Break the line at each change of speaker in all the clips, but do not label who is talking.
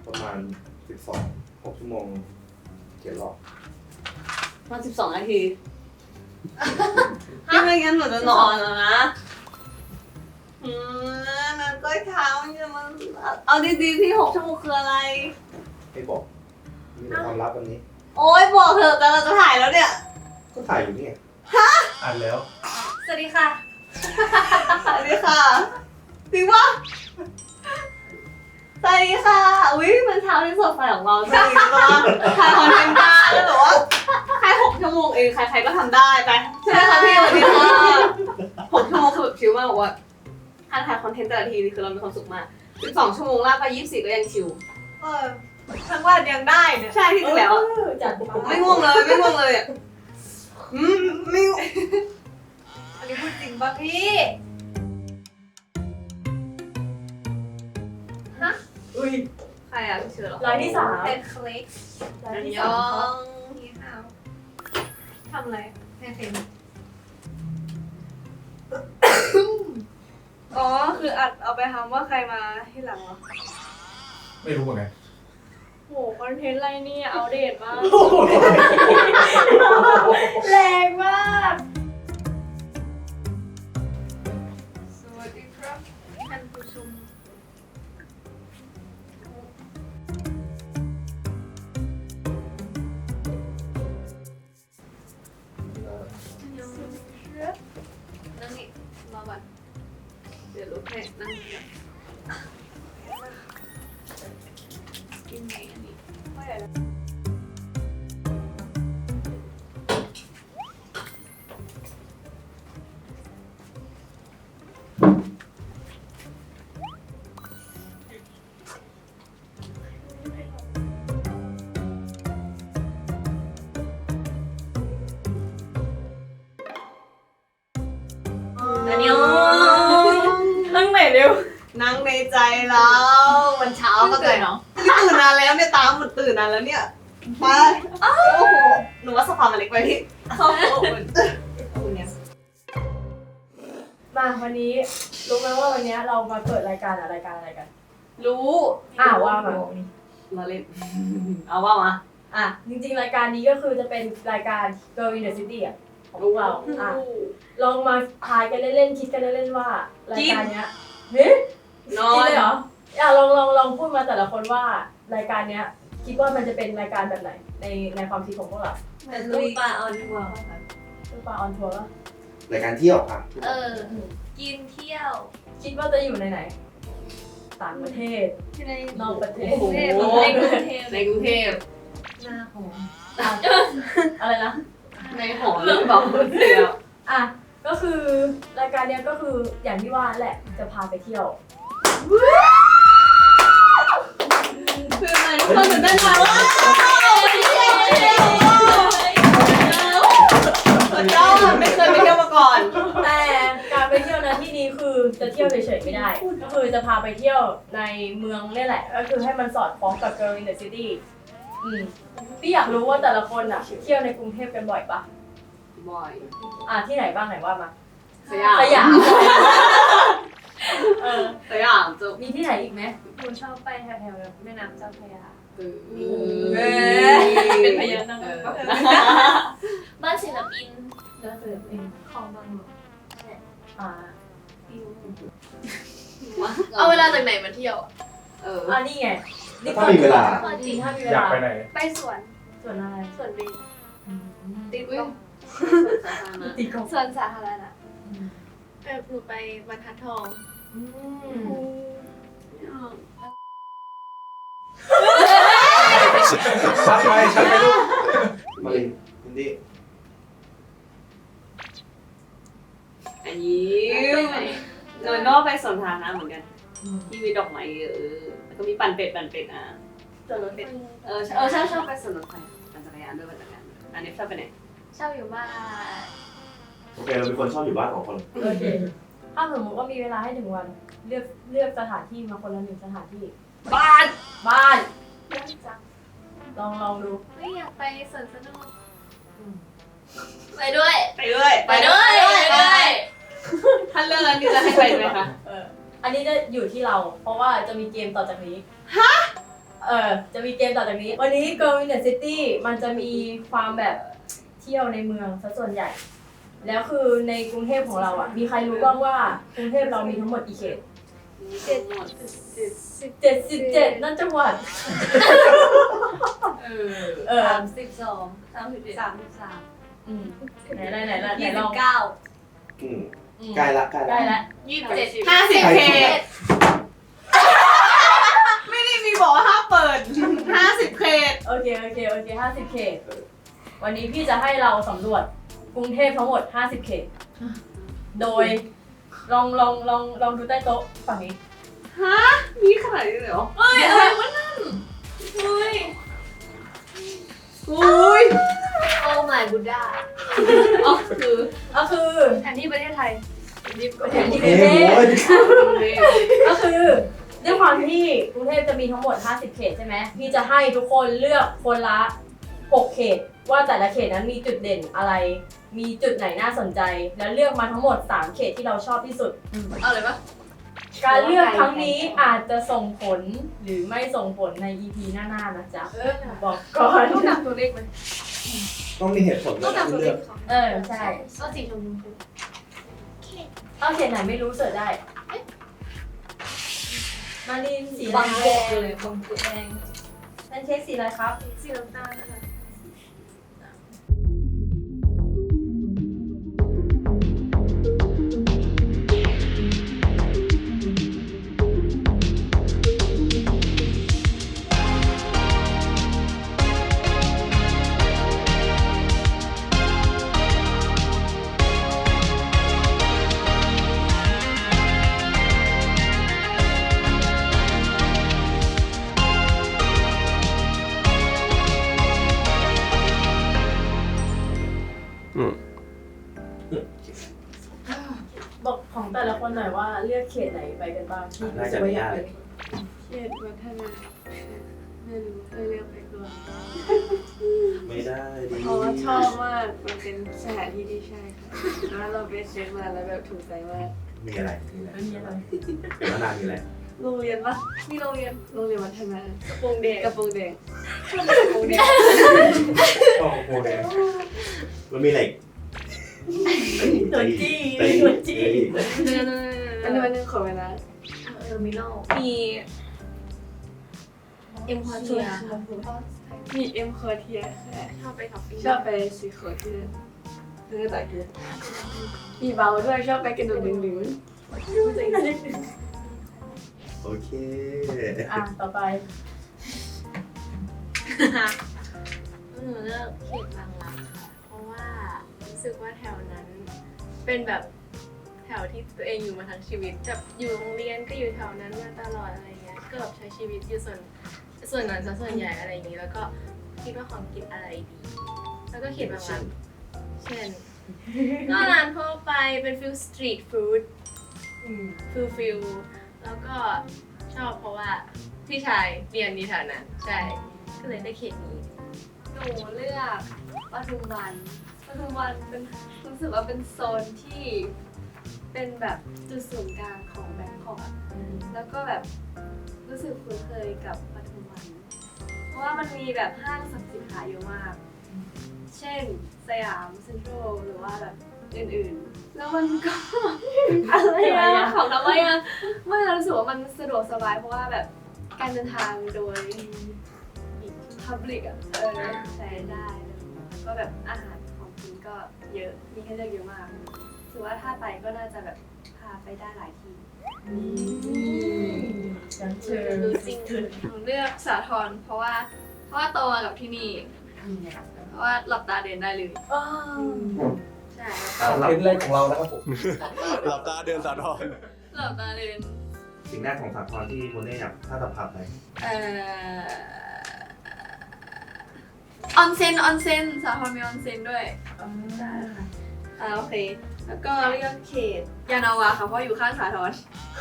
ประมาณ6 ชั่วโมง7 รอบ
มา12 นาทีที่ไม่งั้นหนูจะนอนแล้วนะนั่นก็เท้าจะมันเอาดีๆที่6 ชั่วโมงคืออะไร
ไม่บอกมีแต่ความลับวันนี้
โอ๊ยบอกเถอะแต่เราจะถ่ายแล้วเนี่ย
ก็ถ่ายอยู่นี่อ่านแล้ว
สวัสดีค่ะสวัสดีค่ะจริงปะสวัสดีค่ะอุ้ยมันเช้าที่สดใสของเราจริงปะถ่ายคอนเทนต์ได้แล้วแบบว่าแค่6 ชั่วโมงเองใครๆก็ทำได้ไปใช่ไหมคะพี่สวัสดีค่ะ6 ชั่วโมงคือแบบชิลมากบอกว่าถ้าถ่ายคอนเทนต์แต่ละทีนี่คือเรามีความสุขมาก12 ชั่วโมงลากไป24ก็ยังชิล
ทั้งวันยังได้เนี่ย
ใช่ที่จริงแล้ว
จัด
ไม่ง่วงเลยไม่ง่วงเลยอ่ะไม่
อันนี้พูดจริงป่ะพี่ฮะ
อุ้ยใครอ่ะชื่อหรอ
รายที่3
เป็นคลิก
รายที่3
นี่ค่ะ
ทำอะไรให้เฟนอ๋อคืออัดเอาไปทำว่าใครมาที่หลังเหรอ
ไม่รู้เหมือนกัน
โหคอนเทนต์อะไรเนี่ยเอาเดทมากแรงมากสวัสดีครับท่านผู้ชม
นั่งนี่รอก่อนเดี๋ยวลุกให้นั่งนี่กินไหนอันนี้
ไม่ได้
อันนี้
นั่งไหนเร็ว
นั่งในใจเราวันเช้าก็เลยเนาะตื่นนานแล้วเนี่ยตามมันตื่นนานแล้วเนี่ยไปโอ้โหหนูว่าสภามันเล็กไปพี่โอ้โหคุณเนี่ย
มาวันนี้รู้ไหมว่าวันนี้เรามาเปิดรายการอะไรกัน
รู้
ว่ามา
มาเล่นเอาว่ามา
จริงๆรายการนี้ก็คือจะเป็นรายการ Girl in the City ของพวกเราลองมาทายกันเล่นๆคิดกันเล่นๆว่ารายการเนี้ย
นอน
เลยเหรอลองพูดมาแต่ละคนว่ารายการเนี้ยคิดว่ามันจะเป็นรายการแบบไหนในความคิดของพวกเรา
เป็นลูกปลาออนทัวร์
ลูกปลาออนทัวร์
รายการเที่ยวค่ะ
กินเที่ยว
คิดว่าจะอยู่ในไหนต่างประเทศนอกประเทศ
ในกรุงเทพ
หน้าหออะไรนะ
ในหอเรื่องบอกเที่ยว
ก็คือรายการเนี้ยก็คืออย่างที่ว่าแหละจะพาไปเที่ยว
คือมันทุกคนตื่นเต้นมากว่าเราไม่เคยไปเที่ยวมาก่อน
แต่การไปเที่ยวนะที่นี้คือจะเที่ยวเฉยๆไม่ได้ก็คือจะพาไปเที่ยวในเมืองนี่แหละก็คือให้มันสอดคล้องกับ Girl in the City พี่อยากรู้ว่าแต่ละคนเที่ยวในกรุงเทพกันบ่อยปะ
บ่อย
ที่ไหนบ้างไหนว่ามา
สยาม
สยาม
จะ
มีที่ไหนอีกไหมคุณชอบไปแถวๆแม่น้ำเจ้าพระยาเป็นพญานาค
บ้านศิลปิน
ของบางหลวง
เอาเวลาจากไหนมาเที่ยว
นี่ไง
ถ้ามีเวลา
อยาก
ไปไหน
ไปสวนอะไร
สวนบี
ติดกบ
สวนสาธารณะหนูไปบรรทัดทอง
ชัดไหมลูกมาลินอินดี้
อันนี้โดยนอกไปสวนสาธารณะเหมือนกันที่มีดอกไม้แล้วก็มีปั่นเป็ด
สวนรถเป็ด
ชอบไปสวนรถไฟปั่นจักรยานด้วยปั่นจักรยานอันนี้ชอบไปไหน
ชอบอยู่บ้าน
โอเคเราเป็นคนชอบอยู่บ้านของคน
โอเคถ้าสมมติว่ามีเวลาให้1 วันเลือกสถานที่มาคนละ1 สถานที่
บ้าน
เยอะจังลองดู
ไม่อยากไปสวนสนุกไปด้วยถ้าเรื่องนั้นนี่จะให้ไปไหมคะ
อันนี้จะอยู่ที่เราเพราะว่าจะมีเกมต่อจากนี้จะมีเกมต่อจากนี้ วันนี้ Girl in the City มันจะมีความแบบเที่ยวในเมืองซะส่วนใหญ่ แล้วคือในกรุงเทพของเราอ่ะ มีใครรู้บ้างว่ากรุงเทพเรามีทั้งหมดกี่เขต 77 นั่นจังหวัด
32
ไหนลอง
ใกล้ละ
ใกล้ละ
27 50 เขตไม่ได้มีบอกว่าห้ามเปิด 50 เขต
โอเค50 เขต วันนี้พี่จะให้เราสำรวจกรุงเทพทั้งหมด 50 เขต โดยลองดูใต้โต๊ะฝั่งนี้
มีขนาดนี้เลยเหรอ
เฮ้ยอะไรวะนั่นเฮ้ย
อุ้ย
โอ้ my buddha
ก็คือ
แผนที่ประเทศไทย
แผนที่ก
เอ้
รุงเทพ
โว้ย
ก็คือด้วยความที่กรุงเทพจะมีทั้งหมด 50 เขตใช่ไหมพี่จะให้ทุกคนเลือกคนละ 6 เขต ว่าแต่ละเขตนั้นมีจุดเด่นอะไร มีจุดไหนน่าสนใจ แล้วเลือกมาทั้งหมด 3 เขตที่เราชอบที่สุด
เอาเลยปะ
การเลือกครั้งนี้อาจจะส่งผลหรือไม่ส่งผลใน EP หน้าๆนะจ๊ะ บอกก่อน
ต้องนำตัวเลขไหม
ต้องมีเหตุผล
ต้องนำตัวเล
เลือ
ข
ก
ของ
ใช่
ก็สีชมพู
เอาเขตไหนไม่รู้เสิร์ชได้ มารินสี
บาง
แด
โก
ง
เลยบางโก
แดงแพนเค้กสีอะไรครับ
สีน้ำตาลนะคะ
บอกของแต่ละคนหน่อยว่าเลือกเขตไหนไปกันบ้างที่รู้สึกว่าอยากไป
เขตวัฒนาไม่รู้เลยเลือกไปก่อน
ไม่ได้ดิ
เพราะว่าชอบมากมันเป็นสถานที่ที่ใช่ค่ะแล้วเราไปเช็คมาแล้วแบบถูกใจมาก
มีอะไร
ไม่มีอะไร
เป็นมานานมีอะไร
โรงเรียนปะมีโรงเรียนวัฒนาก
ระโปรงแดง
กระโปรงแดง
โอ้โหเลยมันมีอะไรอีก
ตัวจี้
ตี
ตัวจี้
อันนึงขอเวลา
เทอร์มินอล
มีเอ็มคอเทียมีเอ็มคอเทียชอบไปท็อปปิ้งชอบไปซีโคเทียนึกแต่คือมีเบาด้วยชอบไปกระโดดดึง
โอเค
ต่อไป
หนูเลือกเขตบางรักค่ะ เพราะว่ารู้สึกว่าแถวนั้นเป็นแบบแถวที่ตัวเองอยู่มาทั้งชีวิตแบบอยู่โรงเรียนก็อยู่แถวนั้นมาตลอดอะไรเงี้ย ก็แบบใช้ชีวิตอยู่ส่วนนั้นซะส่วนใหญ่อะไรอย่างนี้ แล้วก็คิดว่าของกินอะไรดี แล้วก็เขตบางรักเช่น ก็ร้านทั่วไปเป็นฟิลสตรีทฟู้ดฟิลแล้วก็ชอบเพราะว่าพี่ชายเรียนดีแถวนั้นใช่ ก็เลยได้เขตนี้
หนูเลือกปทุมวันเป็นรู้สึกว่าเป็นโซนที่เป็นแบบจุดศูนย์กลางของแบงคอกอะแล้วก็แบบรู้สึกคุ้นเคยกับปทุมวัน เพราะว่ามันมีแบบห้างสรรพสินค้าเยอะมาก เช่นสยามเซ็นทรัลหรือว่าแบบอื่นๆ แล้วมันก็ อะไรอะของทำไมอะไม่เรารู้สึกว่ามันสะดวกสบายเพราะว่าแบบการเดินทางโดย public อะใช้ได้แล้วก็แบบอาหารของกินก็เยอะมีให้เลือกเยอะมากถือว่าถ้าไปก็น่าจะแบบพาไปได้หลายที่
ฉันเชิญ
รู้จริง
หนูเลือกสาทรเพราะว่าโตมากับที่นี่ เพราะว่าหลับตาเดินได้เลย ใช่แล้วก็
เป็นแรกของเรานะครับผม
หลับตาเดินสาทร
หลับตาเดิน
สิ่งแรกของสาครที่คนได้อยากถ้าสัมผัสอะไร
ออนเซ็นสาทรมีออนเซ็นด้วยใช่ค่ะโอเค แล้วก็เลือกเขตยานาวาค่ะเพราะอยู่ข้างสาทร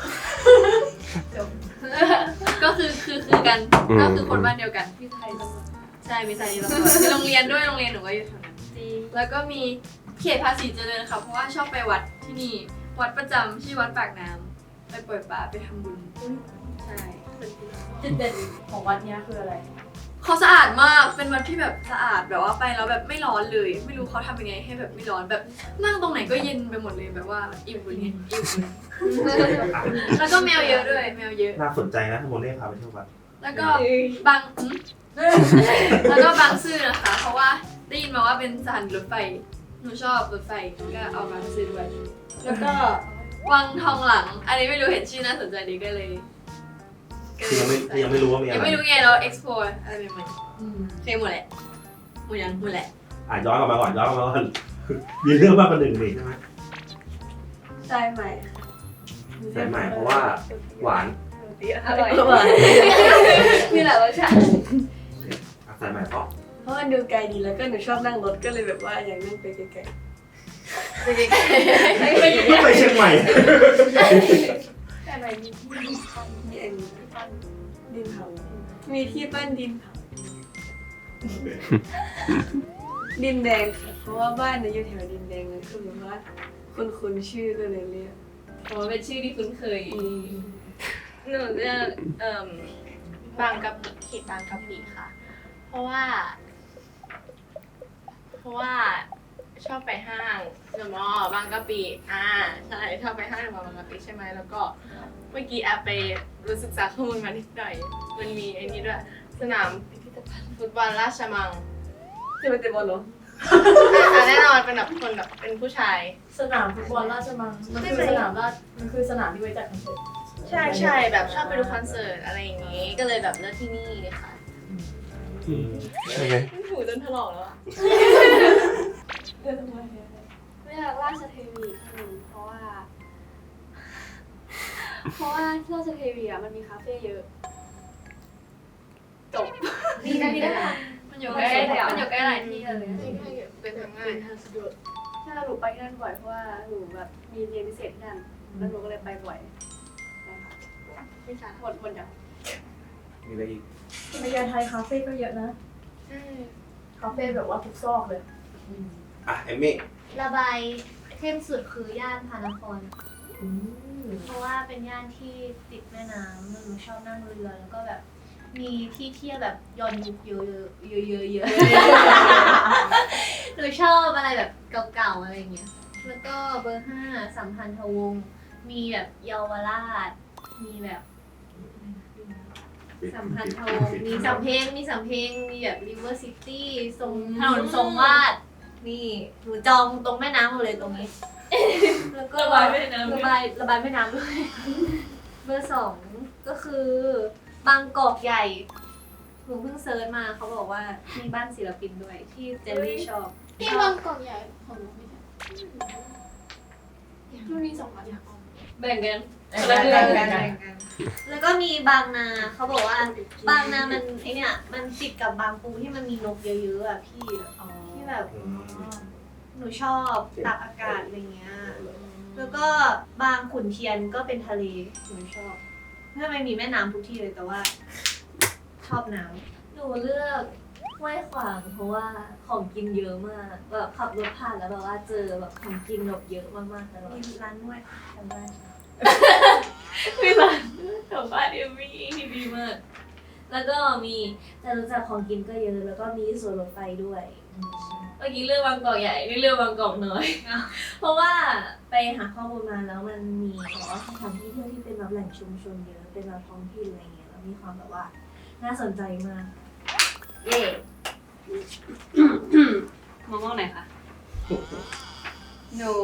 ก็คือกันก็คือคนบ้านเดียวกันพี่ไทยตำรวจใช่มีไทยตำรวจมีโรงเรียนด้วยโรงเรียนหนูก็อยู่แถวนั้นแล้วก็มีเขตภาษีเจริญค่ะเพราะว่าชอบไปวัดที่นี่วัดประจำชื่อวัดปากน้ำไปปล่อยปลาไปทำบุญใช่
จุดเด่นของวัดเนี้ยคืออะไร
เขาสะอาดมากเป็นวัดที่แบบสะอาดแบบว่าไปแล้วแบบไม่ร้อนเลย ไม่รู้เขาทำยังไงให้แบบไม่ร้อนแบบนั่งตรงไหนก็เย็นไปหมดเลยแบบว่าอิ่มบุญเนี่ยอิ่มบุญแล้วก็แมวเยอะด้วยแมวเยอะ
น่าสนใจนะถ้าโมเล่พาไปเที่ยววัด
แล้วก็บางแล้วก็บางซื่อนะคะ เพราะว่าได้ยินมาว่าเป็นสถานีรถไฟหนูชอบรถไฟก็เอาบางซื่อด้วยแล้วก็วังทองหลัง อันนี้ไม่รู้เห็นชื่อน่าสนใจดีก็เลย
คือยังไม่รู้ว่ามีอะไร
ยังไม่รู้ไงเรา explore อะไรใหม่ๆเคยหมดแหละหมดยังหมดแหละ
ย้อนกลับมาก่อนมีเรื่องมากกว่าหนึ่งนี่ใช่ไหม
ใช่ไหม
สายใหม่เพราะว่าหวาน
อร่อย
มีหลายรสชาติ
สายใหม่เพราะ
เพราะมันดูไกลดีแล้วก็หนูชอบนั่งรถก็เลยแบบว่าอยากนั่งไปไกล
ไม่ไปเชียงใหม่
แต่ไหนมีที่
ๆมีอันนี้ดินเผามีที่ปั้นดินเผาดินแดงค่ะเพราะว่าบ้านเนี่ยอยู่แถวดินแดงเลยคือแบบว่าคุณชื่อก็เลยเรียก
เพราะว่าเป็นชื่อที่คุ้นเคย หนูเลือกบางกะปิเขตบางกะปิค่ะ เพราะว่าชอบไปห้างเดอะมอลล์บางกะปิใช่ชอบไปห้างเดอะมอลล์บางกะปิใช่ไหมแล้วก็เมื่อกี้แอบไปรู้ศึกษาข้อมูลมานิดหน่อยมันมีไอ้นี้ด้วยสนามพิพิธภัณฑ์ฟุตบอลราชมัง
จะไปเตะบอลเหรอ
แน่นอนเป็นแบบคนแบบเป็นผู้ชาย
สนามฟุตบอลราชมังมันคือสนามที่ไว้จัดคอนเสิร์ต
ใช่แบบชอบไปดูคอนเสิร์ตอะไรอย่างงี้ ก็เลยแบบเลือกที่นี่ค่ะ
ใช่ไหม
หูจนถลอกแล้วอะ
เลือกราชเทวีเพราะว่าราชเทวีอ่ะมันมีคาเฟ่เยอะจบดีนะมันอยู่ใกล้หลายที่เลย
เป็นทางง่าย
ใช่หนูไปที่นั่นบ่อยเพราะว่าหนูแบบมีเรียนพิเศษที่นั่นแล้วหนูก็เลยไปบ่อยนะคะไม่ใช่หมดอย่าง
มีอะไรอีก
พญาไทคาเฟ่ก็เยอะนะคาเฟ่แบบว่าทุกซอกเลย
เอมมี่
ระบายเข้มสุดคือย่านพระนคร เพราะว่าเป็นย่านที่ติดแม่น้ำแล้วหนูชอบนั่งเรือแล้วก็แบบมีที่เที่ยวแบบย้อนยุคเยอะหนูชอบอะไรแบบเก่าๆอะไรเงี้ยแล้วก็เบอร์ 5สัมพันธวงศ์มีแบบเยาวราชมีแบบสัมพันธวงศ์มีสำเพ็งมีแบบริเวอร์ซิตี้ทรงถนนทรงวาดนี่หนูจองตรงแม่น้ำหมดเลยตรงนี้ แล้วก็ระบายแม่น้ำด้วย เบอร์ 2ก็คือบางกอกใหญ่หนูเพิ่งเซิร์ชมาเขาบอกว่ามีบ้านศิลปินด้วยที่เจลลี่ชอบ
ที่บางกอกใหญ่ของหนูไม่ใช่มันมี2อัน
แบ่งกัน
แล้วก็มีบางนาเขาบอกว่าบางนามันไอเนี่ยมันติดกับบางปูที่มันมีนกเยอะๆอ่ะพี่ที่แบบหนูชอบตากอากาศอะไรเงี้ยแล้วก็บางขุนเทียนก็เป็นทะเลหนูชอบถ้าไม่มีแม่น้ำทุกที่เลยแต่ว่าชอบน้ำหนูเลือกห้วยขวางเพราะว่าของกินเยอะมากแบบขับรถผ่านแล้วแบบว่าเจอแบบของกินแบบเยอะมากๆตลอดมีร้านนวดทางบ้านมีร้านแถวบ้านเอมมี่ดีมากแล้วก็มีแต่รู้จักของกินก็เยอะแล้วก็มีสวนรถไฟด้วยเมื่อกี้เลือกบางกอกใหญ่นี่เลือกบางกอกน้อย เพราะว่าไปหาข้อมูลมาแล้วมันมีแบบว่าสถานที่เที่ยวที่เป็นแบบแหล่งชุมชนเยอะเป็นแบบท้องถิ่นอะไรเงี้ยแล้วมีความแบบว่าน่าสนใจมากเย่
มองไหนคะหนู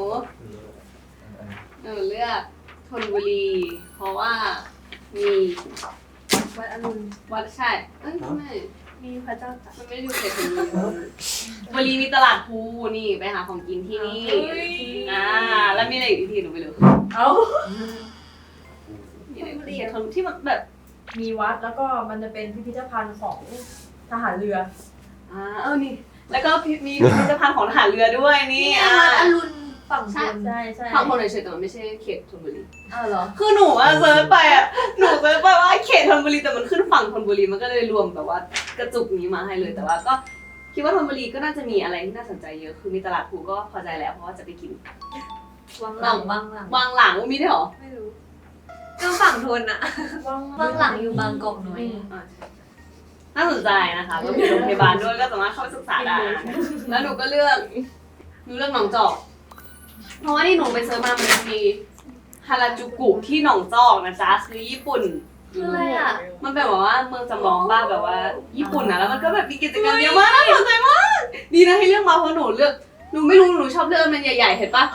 เลือกธนบุรี เพราะว่ามีวัดอรุณวัดใช่ไม่มีพระเจ้าตากมันไม่ได้อยู่เขตธนบุรีมีตลาดภูนี่ไปหาของกินที่นี่แล้วมีอะไรอีกที่หนูไม่รู้
เอ้า
มีอะไรเขตธนที่มันแบบ
มีวัดแล้วก็มันจะเป็นพิพิธภัณฑ์ของทหารเรือ
นี่แล้วก็มีพิพิธภัณฑ์ของทหารเรือด้วยนี่
วัดอรุณฝั่งบน
ใช่
ฝั่งคนเฉยๆแต่มันไม่ใช่เขตธนบุรี
เหรอ
คือหนูเซิร์ชไปหนูเซิร์ชไปว่าเขตธนบุรีแต่มันขึ้นฝั่งธนบุรีมันก็เลยรวมแบบว่ากระจุกนี้มาให้เลยแต่ว่าก็คิดว่าธนบุรีก็น่าจะมีอะไรที่น่าสนใจเยอะคือมีตลาดภูก็พอใจแล้วเพราะว่าจะไปกิน
วังหลัง
วางหลังมีด้วยเหรอ
ไม่รู้ก็ฝั่งทนอะเบื้องหลังอยู่บางกอกน้อย
น่าสนใจนะคะก็มีโรงพยาบาลด้วยก็สามารถเข้าไปศึกษาได้แล้วหนูก็เลือกหนองจอกเพราะว่าที่หนูไปเซิร์ชมามันมีฮาราจูกุที่หนองจอกนะจ๊ะคือญี่ปุ่น
คืออะไรอะ
มันเป็นแบบว่าเมืองจำลองบ้านแบบว่าญี่ปุ่นนะแล้วมันก็แบบมีกิจกรรมเยอะมากน่าสนใจมากดีนะให้เลือกมาเพราะหนูไม่รู้หนูชอบเลือกมันใหญ่ๆเห็นปะ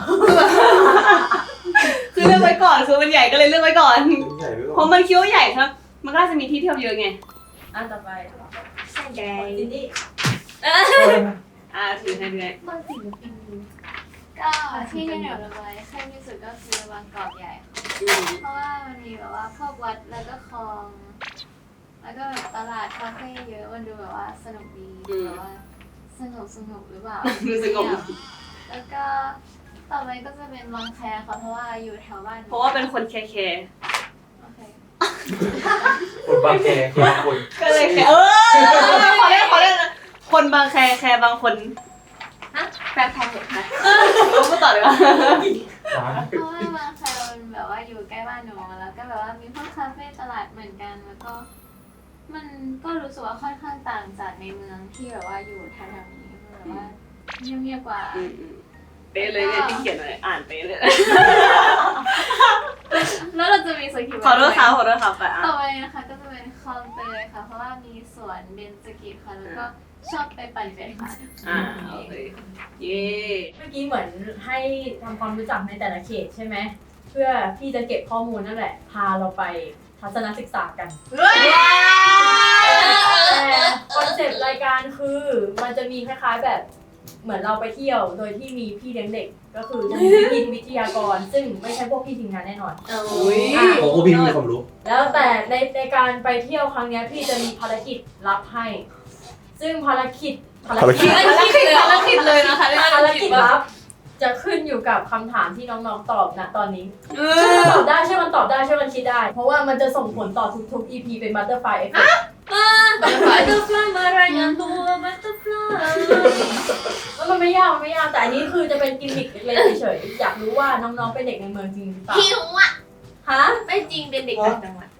คือเลือกไว้ก่อนคือมันใหญ่ก็เลยเลือกไว้ก่อน
ใหญ่ไป
เพ
ก่อน
ราะมันคิดว่าใหญ่ครับมันก็จะมีที่เที่ยวเยอะไง
อันต่อไป
ใช่ไง
ซินดี้
ถือให้ด้วย
บางศิลปิน
ก็ที่ที่หนูระบายชอบที่สุดก็คือบางกอกใหญ่ค่ะเพราะว่ามันมีแบบว่าพวกวัดแล้วก็คลอง แล้วก็แบบตลาดคาเฟ่เยอะมันดูแบบว่าสนุกดีแบบว่าสนุกหรือเปล่า
ดูสงบ
แล้วก็ต่อไปก็จะเป็นบางแคค่ะเพราะว่าอยู่แถวบ้าน
เพราะว่าเป็นคนแคร์
โอเค
คนบางแคคนคน
ก็เลยแคร์ขอเล่นคนบางแคร์บางคนฮะแฟนพอเหรอคะรู้ก็ต่อเลยว่า
เพราะว่าบางแคมันแบบว่าอยู่ใกล้บ้านหนูแล้วก็แบบว่ามีพวกคาเฟ่ตลาดเหมือนกันแล้วก็ มันก็รู้สึกว่าค่อนข้างต่างจากในเมืองที่แบบว่าอยู่แถวๆนี้แบบว่าเงียบๆกว่า
เป๊ะเลยเนี่ยที่เขียนอะไรอ่านเป๊ะเลย
แล้วเราจะมีสกิล
ขอโทษครับไปอ่ะ
ต่อไปนะคะก็จะเป็นคลองเตยค่ะ เพราะว่ามีสวนเบญจกิจค่ะ แล้วก็ชอบไปปั่นจักรยาน
โอเคเย้
เมื่อกี้เหมือนให้ทำความรู้จักในแต่ละเขตใช่ไหมเพื่อพี่จะเก็บข้อมูลนั่นแหละ พาเราไปทัศนศึกษากันแต่คอนเซ็ปต์รายการคือมันจะมีคล้ายๆแบบเหมือนเราไปเที่ยวโดยที่มีพี่เลี้ยงเด็กก็คือจะมีพี่วิทยากร ซึ่งไม่ใช่พวกพี่ทีมงานแน่นอน
อุ้ย
โอ้โหพี่มีความรู้
แล้วแต่ในการไปเที่ยวครั้งเนี้ยพี่จะมีภารกิจรับให้ ซึ่งภารกิจ
เลยนะคะ
ภารกิจลับจะขึ้นอยู่กับคำถามที่น้องๆตอบนะตอนนี้ช่วยมันตอบได้ช่วยมันตอบได้ช่วยมันคิดได้ เพราะว่ามันจะส่งผลต่อทุกๆ EP เป็น Butterfly Effect
มารายงานตัวบัตเตอร์ฟลาย
แล้วมันไม่ยากแต่อันนี้คือจะเป็นกิมมิคเล็กๆเฉยๆอยากรู้ว่าน้องๆเป็นเด็กในเมืองจริงหรือเปล่า
หิวอ่ะ
ฮะ
ไม่จริงเป็นเด็กต่างจังหวัด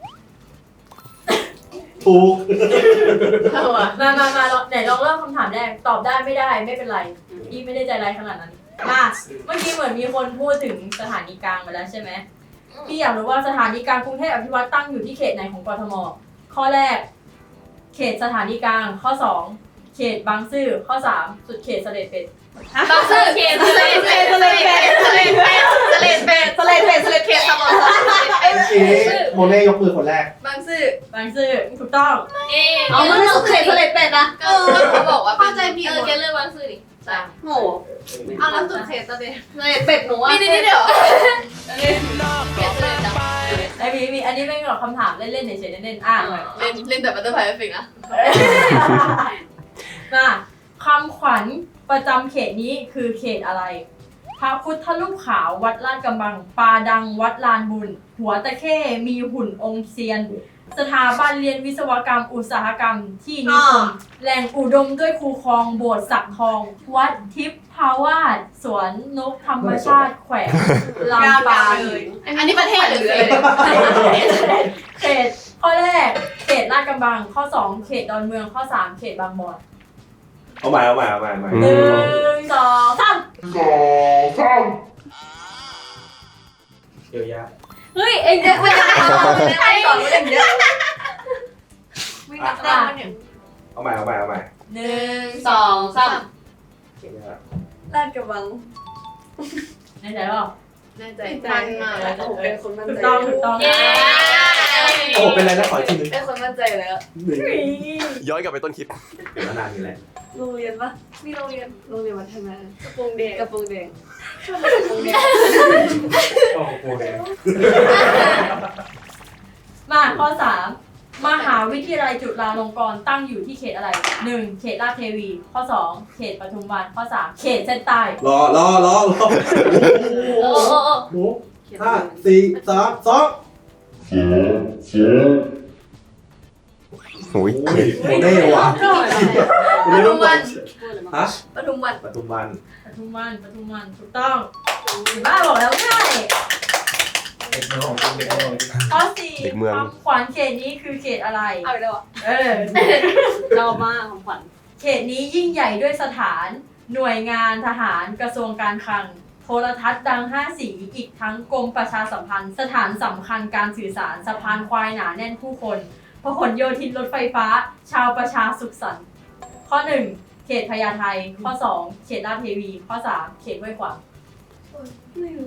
ถูก
มาไหนลองเริ่มคำถามแรกตอบได้ไม่ได้ไม่เป็นไรพี่ไม่ได้ใจร้ายขนาดนั้นมาเมื่อกี้เหมือนมีคนพูดถึงสถานีกลางไปแล้วใช่ไหมพี่อยากรู้ว่าสถานีกลางกรุงเทพอภิวัตตั้งอยู่ที่เขตไหนของกทมข้อแรกเขตสถานีกลางข้อ2เขตบางซื่อข้อ3สุดเขตเสด็จเป็ด
บางซื่อเขตสเลดเป็ดสเลดเป็ดสเลดเป็ดสเลดเป็ดสเลดเป็ดสเลดเขตสมอง
โมเน่ยกมือคนแรก
บางซื่อบ
างซื่อถูกต้อง
เอามันสุดเขตสเลดเป็ดนะ
ก็เขาบอกว่า
เข้าใจผิดแกเลือกบางซื่อดิ
โอ้
เอาแล้วสุดเขตตอนเด็ก
สเลดเป็ดหนูว่า
นี่เดี๋ยว
เขตสเลดดำ
ไอ้มีอันนี้เป็นแบบคำถามเล่นๆเฉยๆเล่นๆอ่านหน่อย
เล่นแต่บัตเตอร์ไฟเอฟเฟกต์นะ
มาคำขวัญประจำเขตนี้คือเขตอะไร พระพุทธรูปขาววัดลาดกระบังปลาดังวัดลานบุญ หัวตะเข้มีหุ่นองค์เซียน สถาบันเรียนวิศวกรรมอุตสาหกรรมที่นิคมแหล่งอุดมด้วยคูคลองโบสถ์สักทอง วัดทิพย์ภาวาสสวนนกธรรมชาติแขวงลำปาง
อันนี้ประเทศหรืออะไร
เขตข้อแรกเขตลาดกระบังข้อ2เขตดอนเมืองข้อ3เขตบางบอน
เอาใหม่
1 2 3
เดี๋ยวยา
เฮ้ยเอ็งจะไม่ได้ใช่ก่อนเอ็งเยอะไม่นับได้มันอย่าง
เอาใหม่
1 2 3
เดี๋ยวยา
ลาดกระบัง
แน่ใจเปล่า
แน่ใจมันมาก
โอ้โหเป็นคนมั่น
ถูก
ใจ
ต้อง
เย้
โอ้โหเป็นไรนะขออีกทีนึง
เป็นคนมั่นใจแล้ว
ย้อนกลับไปต้นคลิป
มานานนี่แหละ
โรงเรียนปะมีโรงเรียนวัฒนากระโปรงแดงกระโปรงแดง
โอ้โหเลย
มาข้อ3มหาวิทยาลัยจุฬาลงกรณ์ตั้งอยู่ที่เขตอะไร 1. เขตลาดเทวี ข้อ 2 เขตปทุมวันข้อ 3 เขตเส้นใต้
รอ
โอ้โห
หมู5 4 3
โอ้ย
2โมเน่ว่ะโมเน่ต้องบอกฮะ
ปทุมวัน
ปทุมวัน
ปทุมวันถูกต้องบ้าบอกแล้วง่าย
เด็กเมืองของจริงเด็กเมืองของจริง
ข้อสี่
เด็กเมือง
คำขวัญเขตนี้คือเขตอะไร
เอาไปเลยวะ
เออ
ชอบมากของขวัญ
เขตนี้ยิ่งใหญ่ด้วยสถาน หน่วยงานทหารกระทรวงการคลัง โทรทัศน์ดัง5 สีอีกทั้งกรมประชาสัมพันธ์ สถานสำคัญการสื่อสารสะพานควายหนาแน่นผู้คนพหลโยธินรถไฟฟ้า ชาวประชาสุขสันต์ข้อ 1 เขตพญาไทข้อ 2 เขตลาดเทวี ข้อ 3 เขตห้วยขวาง
ไม่รู้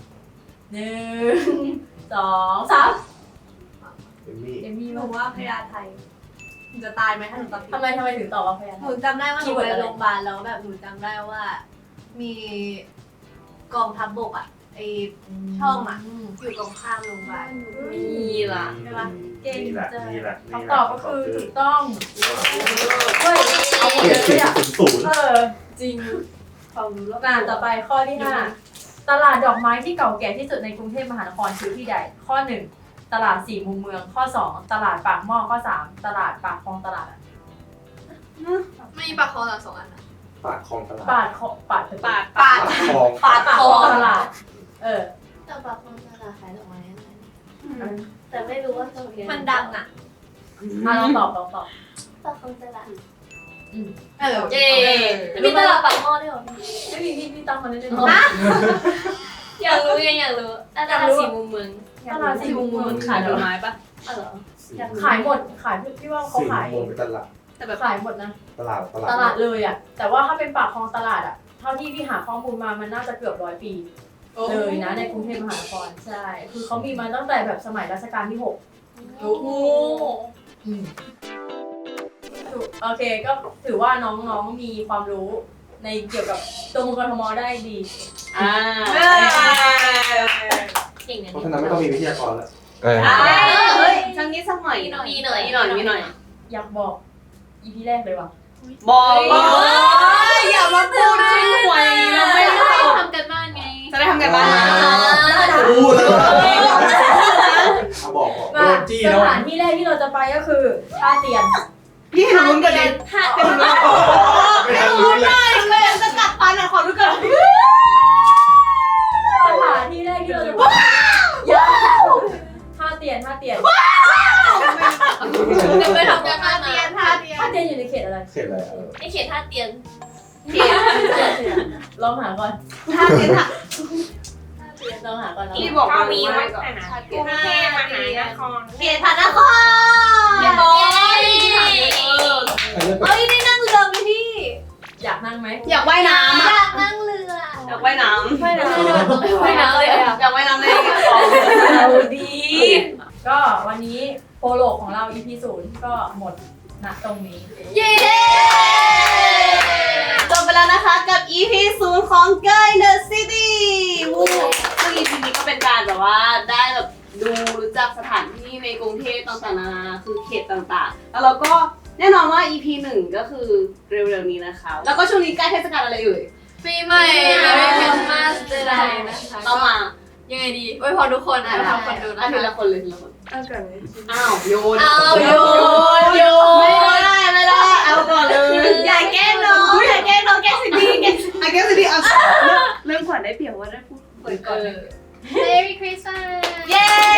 1 2 3
เอมมี่
เอมมี่
หนู
ว่า
ว่าพญาไทหนูจะตายไหมถ้าหนูตอบผิด
ทำไมถึงตอบว่าพญา
ห
ไท
นูจำได้ว่าหนูไปโรงพยาบาลแล้วแบบหนูจำได้ว่า มีกองทัพบกอ่ะไอช่องอ่ะอยู่ตรงข้ามโรงพยาบาล
นี่ล่ะ
ใช่ปะ
เก่ง
นี่แหละ
จัง
นี่แหละ
คำตอบก็คือถูกต้องเฮ้ยเอาหมด
เกีย
เล
รติ
ยอ่ะ
ศูนย์
จริง
ความรู้รอบ
ต่อไปข้อที่ 5 ตลาดดอกไม้ที่เก่าแก่ที่สุดในกรุงเทพมหานครคือที่ใด ข้อ 1 ตลาดสี่มุมเมือง ข้อ 2 ตลาดปากหม้อ ข้อ 3 ตลาดปากคลองตลาดอะ
ไม่มีปากคอสองอันนะ
ปากคลองตลาด
ปาดคอปาด
ปาด
ปากคลอง
ปาด
ปาก
ค
ค
อ
ลองตลาด
แต่ปากคอตลาดขายดอกไม้อะไร
เออ
แต่ไม่รู้ว่าตรงนี้
มันดังอ่ะ
ลองตอบ
ปากคอตลาด
เออ
เย้
มีตลาดปากหม้อด้วยเหรอ
ไม่มีพี่ตั้งมาเล่น
อยากรู้ยังอยากรู้ตลาดสี่มุมเมือง
ตลาดสี่มุมเมือง
ขายดอกไม้ปะ
อ๋อเหรอ
ขายหมดขายพี่ว่าเขา
สี่
ขาย
โมงเป็นตลาด
แต่แบบ
ขายหมดนะ
ตลาด
ตลาดเลยอ่ะ แต่ว่าถ้าเป็นปากคลองตลาดอ่ะ เท่าที่พี่หาข้อมูลมามันน่าจะเกือบ100 ปีเลยนะในกรุงเทพมหานครใช่ คือเขามีมาตั้งแต่แบบสมัยรัชกาลที่ 6
โอ้โห
โอเคก็ถือว่าน้องๆมีความรู้ในเกี่ยวกับตัวเมืองกทมได้ดี
เก่งนะ
เพราะฉะนั้นไม่ต้องมีวิทยากรแล้ว
เออ
เฮ้ยสักนิดสักหน่อย
มีหน่อย
มีหน่อย
อยากบอก EP แรกเลยว่ะ
บอกอย่ามาพูดชื่อหวยเราไม่รู้
ทำกันบ้านไง
จะได้ทำกันบ้าน
พูดแล้วบอก
ว่า
โดนจี้
ส
แล้ว
ถานที่แรกที่เราจะไปก็คือท่าเตียน
พี่ให้ลุ้นกันดิ
ไม่ทันรู้เลย
เลยจะกัดฟันอ่ะขอรู้กัน
สถานที่แรกที่เราจะไปท่าเตียน
จะไปทำกันบ้านมา
ท่าเตียนอยู่ในเขตอะไร
เสร็จแล้ว
ไอเขตท่าเตียน
ลองหาก่อน
ท่าเตียนค่ะ
ลองหาก่อน
พี่บอกมา
มี
ไว้
ไว้
ก่อน
กรุงเทพมหานคร
เขตพระนคร
เย้
เอ้ยได้นั่งเรือไหมพี่
อยากนั่งไหม
อยากว่ายน้ำ
อ
อ่ะ
ยากนั่งเรือ
อยากว่ายน้ำ
ว่ายน้ำว่ายน้ำเลยอ่ะ
อยากว่ายน้ำในของดี
ก็วันนี้โปโลของเรา EP 0ก็หมดณตรงนี้
เย้
จบไปแล้วนะคะกับ EP 0ของ Girl in the City ซึ่ง EP นี้ก็เป็นการแบบว่าได้แบบดูรู้จักสถานที่ในกรุงเทพต่างๆนานาคือเขตต่างๆ แล้วเราก็แน่นอนว่า EP 1 ก็คือเร็วๆนี้นะคะ แล้วก็ช่วงนี้ใกล้เทศกาลอะไรเอ่ย
ปีใหม่ไม่เป็นมาสเตอร์ไดนะคะ
ต้องมา
ยังไงดีไว้พอทุกคนอ่ะทำคนดูนะ
ที
คะ
ละคนเลยทีละคน
เอาก่อนเลย
อ้าวโยน
อ้าวโยน
ไม่ได้เอาก่อนเลยอย่าแกล้งน้องอย่าแกล้งน้องแกล้งสิดีแกล้งสิดีเอาเริ่มก่อนได้เปรียบว่าได้พูดเปิดก่อนเลย
Merry Christmas
เย้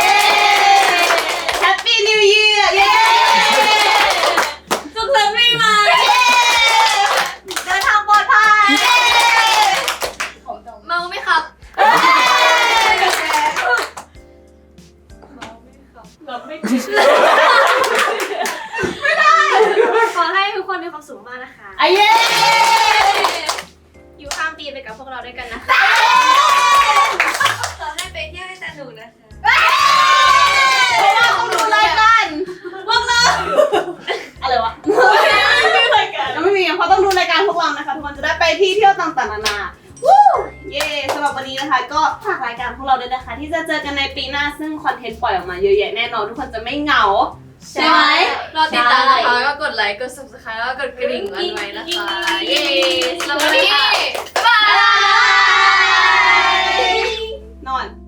Happy New Year เย้สุขสันต์ปีใหม่เย้เดินทางปลอดภัยเย้
เมาไหมครับ
ขอให้ทุกคนมีความสุขมากนะคะ
เย้
อยู่ข้ามปีไปกับพวกเราด้วยกันนะคะ ขอให้ไปเที่ยวให้สนุกนะคะ
เพราะว่าต้องดูรายการพวกเราอะไรวะยังไม่มีเพราะต้องดูรายการพวกเรานะคะทุกคนจะได้ไปที่เที่ยวต่างๆนานาวู้เย้สำหรับวันนี้นะคะ ก็ฝากรายการพวกเราด้วยนะคะ ที่จะเจอกันในปีหน้าซึ่งคอนเทนต์ปล่อยออกมาเยอะแยะแน่นอนทุกคนจะไม่เหงาใช่ไหม
รอติดตามนะคะ ก็กดไลค์ กด subscribe แล้วก็กดกระดิ่งไว้นะคะ เย้สำหรับวันนี้ บ๊ายบาย
นอน